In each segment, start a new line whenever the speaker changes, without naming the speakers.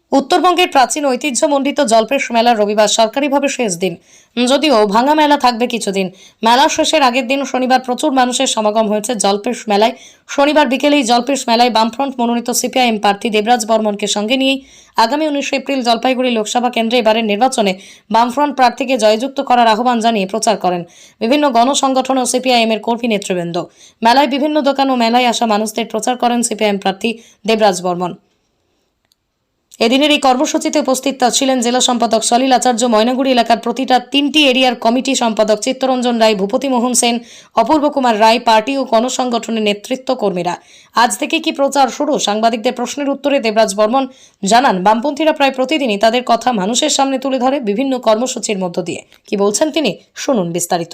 উত্তরবঙ্গের প্রাচীন ঐতিহ্যমণ্ডিত জল্পেশ মেলার রবিবার সরকারিভাবে শেষ দিন। যদিও ভাঙা মেলা থাকবে কিছুদিন। মেলা শেষের আগের দিন শনিবার প্রচুর মানুষের সমাগম হয়েছে জল্পেশ মেলায়। শনিবার বিকেলেই জল্পেশ মেলায় বামফ্রন্ট মনোনীত সিপিআইএম প্রার্থী দেবরাজ বর্মনকে সঙ্গে নিয়েই আগামী 19 এপ্রিল জলপাইগুড়ি লোকসভা কেন্দ্রে এবারের নির্বাচনে বামফ্রন্ট প্রার্থীকে জয়যুক্ত করার আহ্বান জানিয়ে প্রচার করেন বিভিন্ন গণসংগঠন ও সিপিআইএম এর কর্মী নেতৃবৃন্দ। মেলায় বিভিন্ন দোকান ও মেলায় আসা মানুষদের প্রচার করেন সিপিআইএম প্রার্থী দেবরাজ বর্মন। এদিনের এই কর্মসূচিতে উপস্থিত ছিলেন জেলা সম্পাদক সলিল আচার্য, ময়নাগুড়ি এলাকার প্রতিটা 3টি এরিয়ার কমিটি সম্পাদক চিত্তরঞ্জন রায়, ভূপতি মোহন সেন, অপূর্ব কুমার রায়, পার্টি ও গণসংগঠনের নেতৃত্ব কর্মীরা। আজ থেকে কি প্রচার শুরু? সাংবাদিকদের প্রশ্নের উত্তরে দেবরাজ বর্মন জানান, বামপন্থীরা প্রায় প্রতিদিনই তাদের কথা মানুষের সামনে তুলে ধরে বিভিন্ন কর্মসূচির মধ্য দিয়ে। কি বলছেন তিনি, শুনুন বিস্তারিত।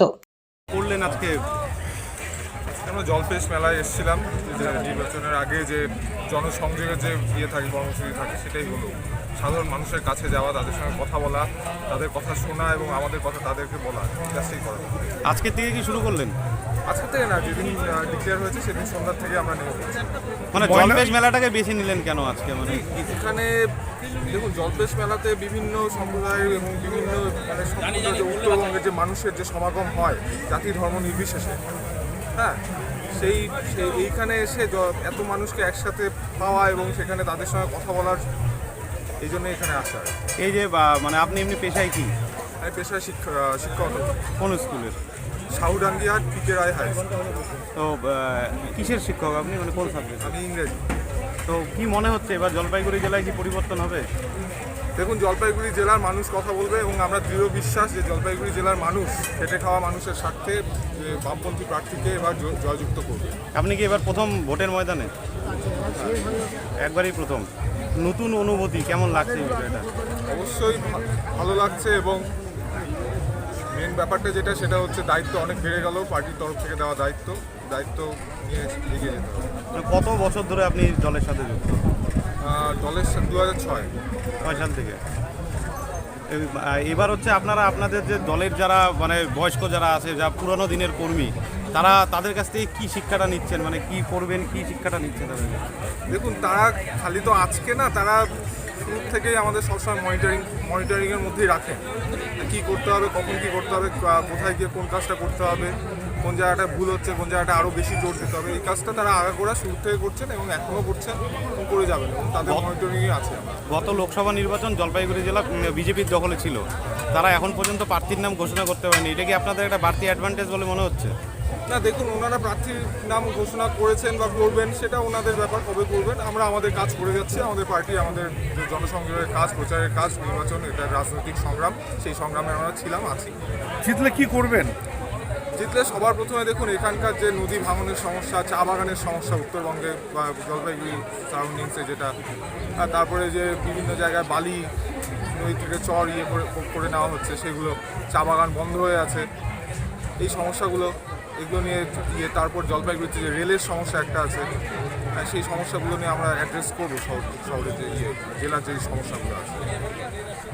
আমরা জলপেশ মেলায় এসেছিলাম, যে নির্বাচনের আগে যে জনসংযোগের যে থাকে কর্মসূচি থাকে, সেটাই হলো সাধারণ মানুষের কাছে যাওয়া, তাদের সঙ্গে কথা বলা, তাদের কথা শোনা এবং আমাদের কথা তাদেরকে বলা, জাস্টই করা।
আজকে থেকে কি শুরু করলেন?
আজকে থেকে না, যেদিন ডিক্লেয়ার হয়েছে সেদিন সন্ধ্যার থেকে আমরা নেমে পড়েছি।
মানে জলপেশ মেলাটাকে বেছে নিলেন কেন আজকে? মানে
এখানে দেখুন, জলপেশ মেলাতে বিভিন্ন সম্প্রদায়ের এবং বিভিন্ন সম্প্রদায়ের যে উত্তরবঙ্গের যে মানুষের যে সমাগম হয় জাতি ধর্ম নির্বিশেষে, হ্যাঁ, এইখানে এসে এত মানুষকে একসাথে পাওয়া এবং সেখানে তাদের সঙ্গে কথা বলার, এই জন্য এখানে আসা।
এই যে মানে আপনি এমনি পেশায় কি?
আমি পেশায় শিক্ষক।
কোন স্কুলের?
Saudangia PK Roy high school.
তো কিসের শিক্ষক আপনি, মানে কোন সাবজেক্ট?
আমি ইংরেজি।
তো কি মনে হচ্ছে এবার জলপাইগুড়ি জেলায় কি পরিবর্তন হবে?
দেখুন, জলপাইগুড়ি জেলার মানুষ কথা বলবে এবং আমরা দৃঢ় বিশ্বাস যে জলপাইগুড়ি জেলার মানুষ খেটে খাওয়া মানুষের স্বার্থে বামপন্থী প্রার্থীকে এবার জয়যুক্ত করবে।
আপনি কি এবার প্রথম ভোটের ময়দানে? একবারই প্রথম। নতুন অনুভূতি কেমন লাগছে এই বিষয়টা?
অবশ্যই ভালো লাগছে, এবং মেন ব্যাপারটা যেটা, সেটা হচ্ছে দায়িত্ব অনেক বেড়ে গেল। পার্টির তরফ থেকে দেওয়া দায়িত্ব নিয়ে এগিয়ে যেতে হবে।
কত বছর ধরে আপনি দলের সাথে যুক্ত?
দলের 2006
সাল থেকে। এবার হচ্ছে আপনাদের যে দলের যারা মানে বয়স্ক যারা আছে, যা পুরনো দিনের কর্মী, তাদের কাছ থেকে কী শিক্ষাটা নিচ্ছেন, মানে কি করবেন, কি শিক্ষাটা নিচ্ছেন তাদের?
দেখুন, তারা খালি তো আজকে না, তারা শুরু থেকেই আমাদের সবসময় মনিটরিংয়ের মধ্যেই রাখেন। কী করতে হবে, কখন কী করতে হবে, কোথায় গিয়ে কোন কাজটা করতে হবে, কোন জায়গাটা ভুল হচ্ছে, কোন জায়গাটা আরও বেশি জোর দিতে হবে, এই কাজটা তারা আগাগোড়া শুরু থেকে করছেন এবং এখনও করছেন এবং করে যাবেন, এবং তাদের মনিটরিংয়ে আছে।
গত লোকসভা নির্বাচন জলপাইগুড়ি জেলা বিজেপির দখলে ছিল, তারা এখন পর্যন্ত প্রার্থীর নাম ঘোষণা করতে পারেনি। এটা কি আপনাদের একটা বাড়তি অ্যাডভান্টেজ বলে মনে হচ্ছে?
না, দেখুন, ওনারা প্রার্থীর নাম ঘোষণা করেছেন বা করবেন, সেটা ওনাদের ব্যাপার, কবে করবেন। আমরা আমাদের কাজ করে যাচ্ছি। আমাদের পার্টি, আমাদের জনসংযোগের কাজ, প্রচারের কাজ, নির্বাচন, এটা রাজনৈতিক সংগ্রাম, সেই সংগ্রামে আমরা ছিলাম, আছি।
জিতলে কি করবেন?
জিতলে সবার প্রথমে দেখুন, এখানকার যে নদী ভাঙনের সমস্যা, চা বাগানের সমস্যা উত্তরবঙ্গে বা জলপাইগুড়ি সারাউন্ডিংসে যেটা, তারপরে যে বিভিন্ন জায়গায় বালি নদী থেকে চর করে নেওয়া হচ্ছে, সেগুলো, চা বাগান বন্ধ হয়ে আছে, এই সমস্যাগুলো, এগুলো নিয়ে তারপর জলপাইগুড়িতে যে রেলের সমস্যা একটা আছে, সেই সমস্যাগুলো নিয়ে আমরা অ্যাড্রেস করবো শহরের যে জেলার যে সমস্যাগুলো আছে।